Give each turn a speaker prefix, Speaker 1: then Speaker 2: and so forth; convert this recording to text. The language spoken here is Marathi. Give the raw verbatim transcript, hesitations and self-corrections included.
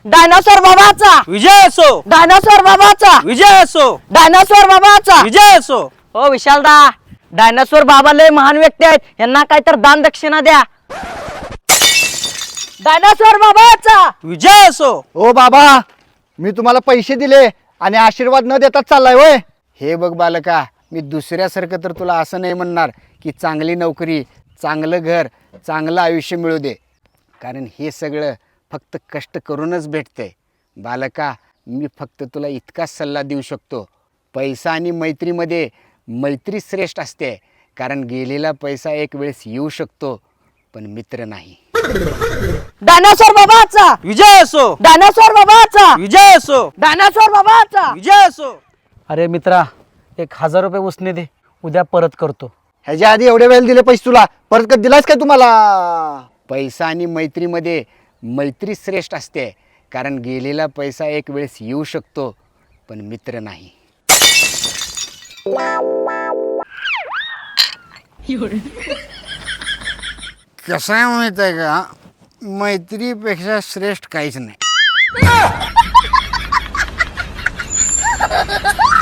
Speaker 1: डायनासोर बाबाचा
Speaker 2: विजय असो,
Speaker 1: डायनासोर बाबाचा
Speaker 2: विजय असो,
Speaker 1: डायनासोर बाबाचा
Speaker 2: विजय असो.
Speaker 1: हो विशालदा, डायनासोर बाबा लय महान व्यक्ती आहेत, यांना काय तर दान दक्षिणा द्या. डायनासोर बाबाचा
Speaker 2: विजय असो.
Speaker 3: ओ बाबा, मी तुम्हाला पैसे दिले आणि आशीर्वाद न देताच चाललाय होय. हे बघ बालका, मी दुसऱ्यासारखं तर तुला असं नाही म्हणणार की चांगली नोकरी, चांगलं घर, चांगलं आयुष्य मिळू दे, कारण हे सगळं फक्त कष्ट करूनच भेटतंय. बालका, मी फक्त तुला इतकाच सल्ला देऊ शकतो, पैसा आणि मैत्रीमध्ये मैत्री श्रेष्ठ असते, कारण गेलेला पैसा एक वेळेस येऊ शकतो पण मित्र नाही.
Speaker 1: डायनासोर बाबाचा
Speaker 2: विजय असो,
Speaker 1: डायनासोर बाबाचा
Speaker 2: विजय असो,
Speaker 1: डायनासोर बाबाचा
Speaker 2: विजय असो.
Speaker 4: अरे मित्रा, एक हजार रुपये उसने दे, उद्या परत करतो.
Speaker 3: ह्याच्या आधी एवढे वेळ दिले पैसे तुला, परत कधी दिलास काय तुम्हाला? पैसा आणि मैत्रीमध्ये मैत्री श्रेष्ठ असते, कारण गेलेला पैसा एक वेळेस येऊ शकतो पण मित्र नाही. कसं आहे माहित आहे का, मैत्रीपेक्षा श्रेष्ठ काहीच नाही.